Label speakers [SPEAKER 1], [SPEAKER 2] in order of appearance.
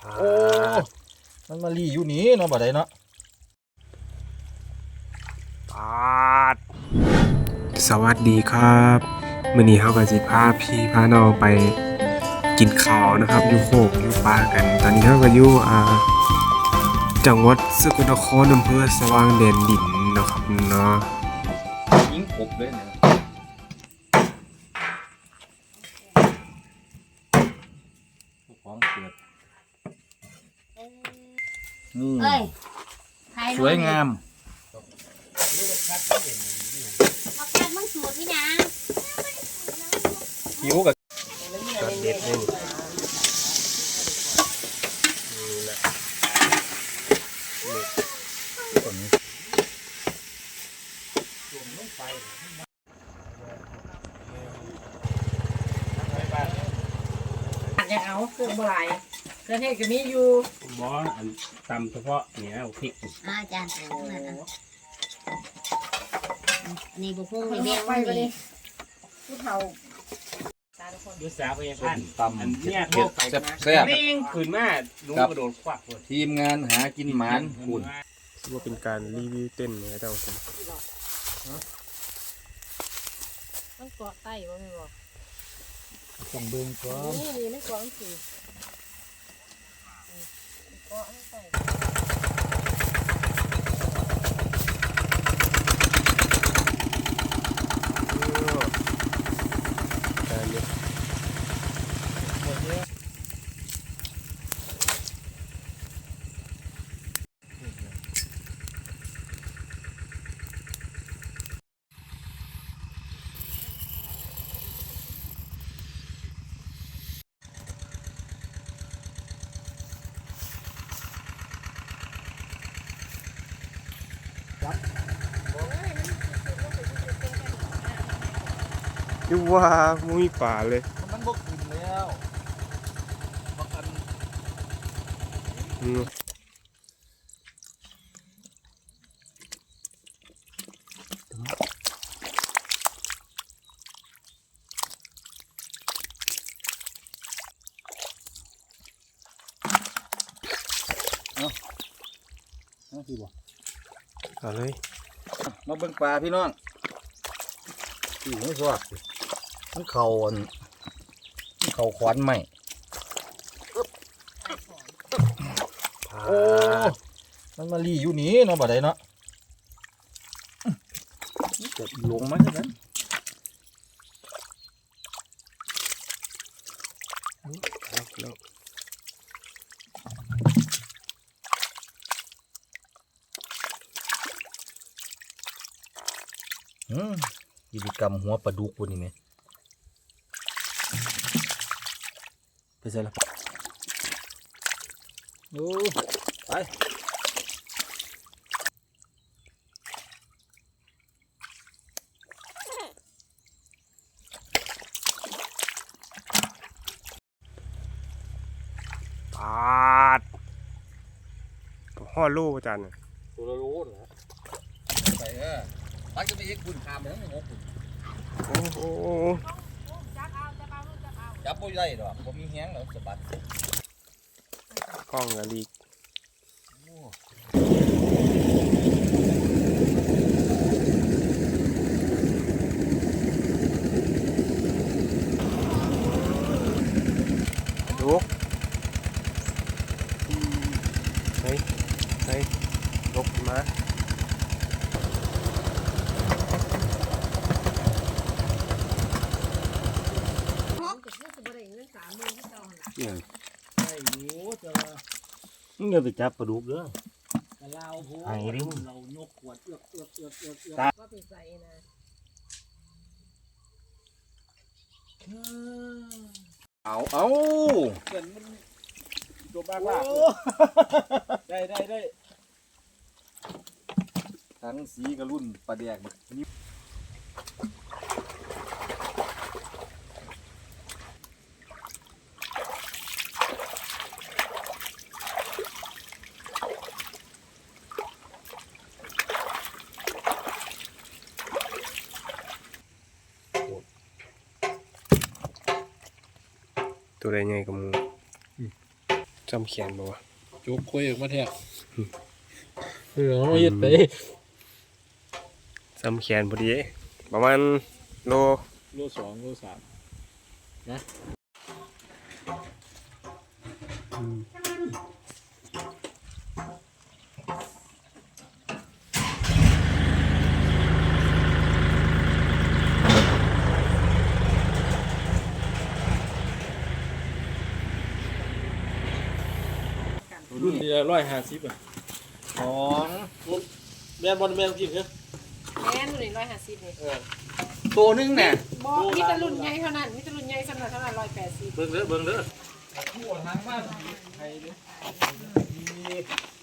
[SPEAKER 1] โอ้มันมาลีอยู่นี้เนาะบ่ได้เนาะ
[SPEAKER 2] ปาดสวัสดีครับมื้อนี้เฮาก็สิพาพี่พาน้องไปกินข้าวนะครับอยู่โคกอยู่ป่ากันตอนนี้เฮาก็อยู่จังหวัดสกลนครอำเภอสว่างแดนดินเนาะครับเนาะ
[SPEAKER 1] ยิงกบเลยเนี่ยของเกิดนี่สวยงามหิวกับเด็ดเลย
[SPEAKER 3] จะเอาเครื่องบ่ไหลเครื่องเทศก็มีอยู่
[SPEAKER 4] บอสอันตำเฉพาะเนี่ยพริก
[SPEAKER 5] อาจารย์นี่บุพงนี่แม่ไปเลยผู้เฒ่า
[SPEAKER 4] ยุสาพยาพันธ์
[SPEAKER 1] ตำ
[SPEAKER 4] อันเนี้ย
[SPEAKER 1] เผ็ดแซ่บ
[SPEAKER 4] เม่งขืนมาลุงกระโดดควักเลย
[SPEAKER 1] ทีมงานหากินหมานคุณ
[SPEAKER 2] ถือว่าเป็นการรีวิวเต้นนะเจ้าครับ
[SPEAKER 3] มันเกาะใต้บ่แม่นบ่
[SPEAKER 1] ต้องเบิ่งก่อน
[SPEAKER 3] นี่มันเกาะสิเกาะใต้
[SPEAKER 2] อยู่ว่ามุ้ยป่าเลย
[SPEAKER 1] มันบกกินแล้วบักอัน นั่นคือบ่
[SPEAKER 2] เอาเลย
[SPEAKER 1] มาเบิ่งปลาพี่น้องอีไม่สวัสดิ์มันเข่าอันมันเข่าขวานใหม่โอ้มันมาลีอยู่นี้เนาะบ่ได้เนาะเกิดลงมาเท่านั้นกิจกรรมหัวปลาดุกวันนี้ไหมไปใส่ละโอ้ไป
[SPEAKER 2] ปาดห่อลูกอาจารย์
[SPEAKER 1] ตัวละโลเหรอไปปักจะไปเอ็กคุณคามเลยนะงงคุณ
[SPEAKER 2] โอ้โห
[SPEAKER 1] จับไม่ได้หรอกผมมีแห้งแล้วสะบัด
[SPEAKER 2] กล้องกะลีกดูเฮ้ยลกมา
[SPEAKER 1] มึงอย่าไปจับปลาดุกเด้อ
[SPEAKER 4] เราโห
[SPEAKER 1] ไอ้ริ้ว
[SPEAKER 4] เรายกขวดเอือก
[SPEAKER 3] ก็ไปใส่นะ
[SPEAKER 1] เอา
[SPEAKER 4] เกินมันตัวบ้าบ้าได้
[SPEAKER 1] ทั้งสีกระรุ่นปลาแดกนี่
[SPEAKER 2] ตัวใดใหญ่กับมูจำแขนบ่วะ
[SPEAKER 6] จุกคุยออกมาแท้เอาเฮ็ดไป
[SPEAKER 2] จำแขนพอดีประมาณโล
[SPEAKER 6] โล2โล3 รุ่นนี้150อ่ะ
[SPEAKER 1] สอง
[SPEAKER 6] แม่นบ่แม่นจริงเหรอ
[SPEAKER 3] แม่นรุ่นนี้150นี่
[SPEAKER 1] ตัวนึงเนี่ย
[SPEAKER 3] บ่มีแต่รุ่นใหญ่เท่านั้นมีแต่รุ่นใหญ่สำหรับเท่านั้น180
[SPEAKER 6] เบิ่งเด้อ
[SPEAKER 1] ทั่วทางบ้านไทยเลย